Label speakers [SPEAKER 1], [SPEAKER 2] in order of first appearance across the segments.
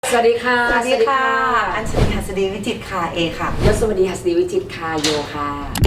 [SPEAKER 1] สวัสดีค่ะ
[SPEAKER 2] สวัสดีค่ะอัญชลีหัสดีวิจิตรค่ะเอค่ะ
[SPEAKER 1] ยศวดีหัสดีวิจิตรค่ะโยค่ะ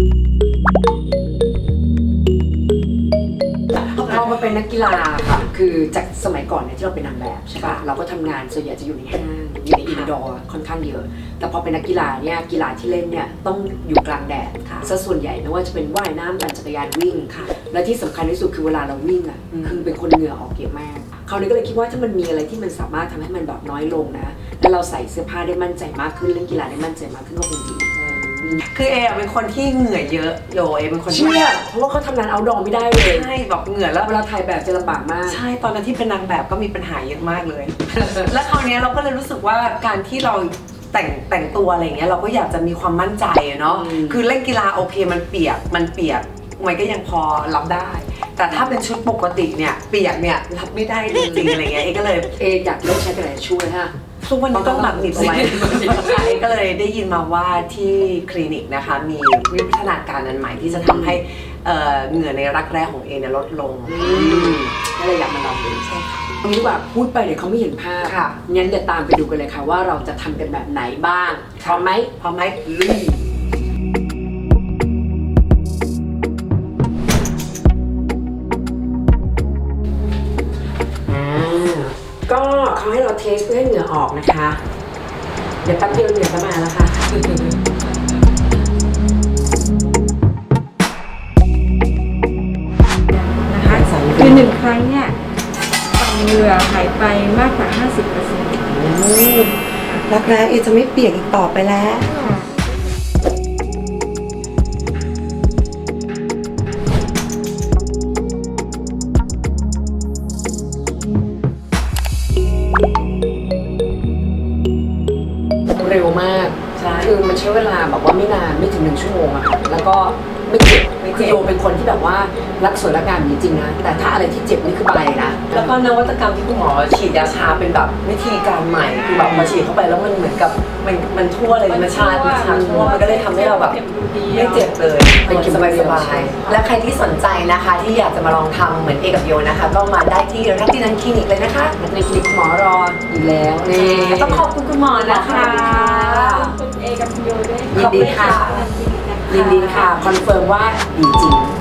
[SPEAKER 1] พอมาเป็นนักกีฬาค่ะคือจากสมัยก่อนเนี่ยที่เราเป็นนางแบบใช่ป่ะเราก็ทำงานส่วนใหญ่จะอยู่ในห้างอยู่ในอินดอร์ค่อนข้างเยอะแต่พอเป็นนักกีฬาเนี่ยกีฬาที่เล่นเนี่ยต้องอยู่กลางแดดซะส่วนใหญ่ไม่ว่าจะเป็นว่ายน้ำปั่นจักรยานวิ่งและที่สำคัญที่สุดคือเวลาเราวิ่งอ่ะคือเป็นคนเหงื่อออกเยอะมากคราวนี้ก็เลยคิดว่าถ้ามันมีอะไรที่มันสามารถทำให้มันแบบน้อยลงนะแล้วเราใส่เสื้อผ้าได้มั่นใจมากขึ้นเล่นกีฬาได้มั่นใจมากขึ้นก็คงดี
[SPEAKER 2] คือเอเป็นคนที่เหงื่อเยอะโยเอเป็นคน
[SPEAKER 1] เชื่อเพราะว่าเขาทำงานเอาท์ดอร์ไม่ได้เลย
[SPEAKER 2] ใช่แบบเหงื่อแล้ว
[SPEAKER 1] เวลาถ่ายแบบจะลำบากมาก
[SPEAKER 2] ใช่ตอนนั้นที่เป็นนางแบบก็มีปัญหาเยอะมากเลย และคราวนี้เราก็เลยรู้สึกว่าการที่เราแต่งตัวอะไรเงี้ยเราก็อยากจะมีความมั่นใจเนาะคือเล่นกีฬาโอเคมันเปียกมันก็ยังพอรับได้แต่ถ้าเป็นชุดปกติเนี่ยเปียกเนี่ยรับไม่ได้จริงๆอะไรเงี้ยเอก็เลย
[SPEAKER 1] อยากเลิกใช้กระดาษช่วยฮะ
[SPEAKER 2] ทุกวันนี้ต้องหมักหนีบเอาไว้เอก็เลยได้ยินมาว่าที่คลินิกนะคะมีวิวัฒนาการอันใหม่ที่จะทำให้เหงื่อในรักแร้ของเอเนี่ยลดลง
[SPEAKER 1] ก็เลยอยากมาลองดูใช่ค่ะตรงนี้ว่าพูดไปเดี๋ยวเขาไม่เห็นภาพงั้นเดี๋ยวตามไปดูกันเลยค่ะว่าเราจะทำกันแบบไหนบ้างพร้อมไหมลุยก็เขาให้เราเทสเพื่อให้เหงื่อออกนะคะเดี๋ยวแป๊บเดียวเหงื่อก็มาแล้วค่ะ
[SPEAKER 3] นะคะคือ1 ครั้งเนี่ยเหงื่อหายไปมากกว่า 50%
[SPEAKER 2] รักแร้เอจะไม่เปียกอีกต่อไปแล้ว
[SPEAKER 1] เร็วมากคือมันใช้เวลาแบบว่าไม่นานไม่ถึง1 ชั่วโมงอะค่ะแล้วก็ไม่เจ็บคือโยเป็นคนที่แบบว่ารักสวยรักงามจริงๆนะแต่ถ้าอะไรที่เจ็บนี่คือไปนะ
[SPEAKER 2] แล้วก็นวัตกรรมที่คุณหมอฉีดยาชาเป็นแบบวิธีการใหม่คือแบบมาฉีดเข้าไปแล้วมันเหมือนกับมันทั่วเลยมันชาทั่วมันก็เลยทำให้เราแบบไม่เจ็บเลยเป็นสบายๆและใครที่สนใจนะคะที่อยากจะมาลองทำเหมือนเอกับโยนะคะก็มาได้ที่รัตตินันคลินิกเลยนะคะ
[SPEAKER 1] ในคลินิกหมอรออยู่แล้ว
[SPEAKER 2] นี่ต้องขอบคุณคุณหมอนะคะ
[SPEAKER 3] คุณเอกับคุณโยด้วย
[SPEAKER 1] ยินดีค่ะคอนเฟิร์มว่าดีจริง